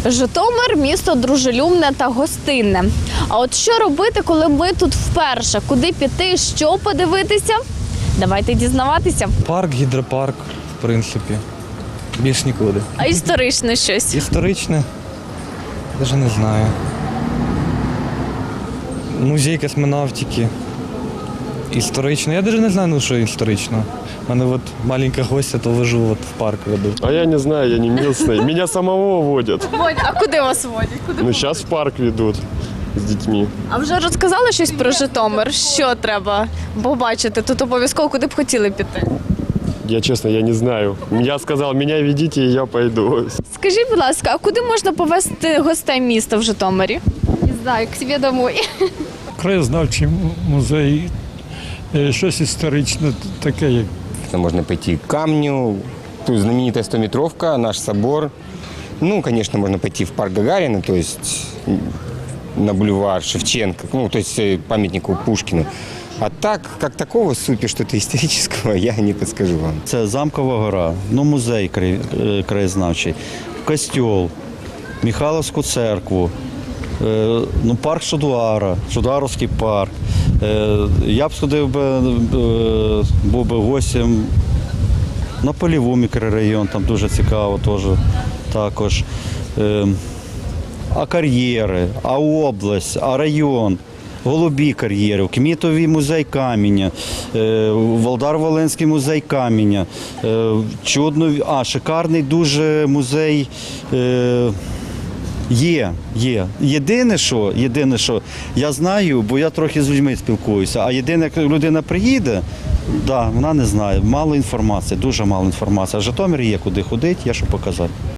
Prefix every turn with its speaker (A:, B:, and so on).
A: Житомир – місто дружелюбне та гостинне. А от що робити, коли ми тут вперше? Куди піти, що подивитися? Давайте дізнаватися.
B: Парк, гідропарк, в принципі. Більш нікуди.
A: А історичне щось?
B: Історичне? Навіть не знаю. Музей космонавтики. Історично. Я навіть не знаю, ну, що історично. У мене от маленька гостя, то лежу, от в парк веду.
C: А я не знаю, я не местный. Меня самого водят.
A: А куди вас водять?
C: Ну, сейчас в парк ведут с детьми.
A: А вже розказали щось про Житомир? Що треба побачити? Тут обов'язково куди б хотіли піти?
C: Я честно, я не знаю. Я сказал, меня ведите, и я пойду.
A: Скажіть, будь ласка, а куди можна повезти гостей міста в Житомирі? Не знаю, к себе домой.
D: Краєзнавчий музей, щось історичне таке, як
E: Можно пойти к камню, тут знаменитая 100-метровка, наш собор. Ну, конечно, можно пойти в парк Гагарина, то есть на бульвар Шевченко, ну, то есть памятнику Пушкину. А так, как такого супер что-то исторического, я не подскажу вам.
F: Це Замкова гора, ну, музей краєзнавчий, костьол, Михайловську церкву, ну, парк Шудуара, Шудуаровський парк. Я б сходив би, був би гостем на Поліву мікрорайон, там дуже цікаво теж також. А кар'єри, а область, а район, голубі кар'єри, Кмітовий музей каменя, Володар-Волинський музей каменя, шикарний дуже музей. Є. Єдине, що я знаю, бо я трохи з людьми спілкуюся, а єдине, як людина приїде, вона не знає, мало інформації, дуже мало інформації. А в Житомирі є куди ходити, є що показати.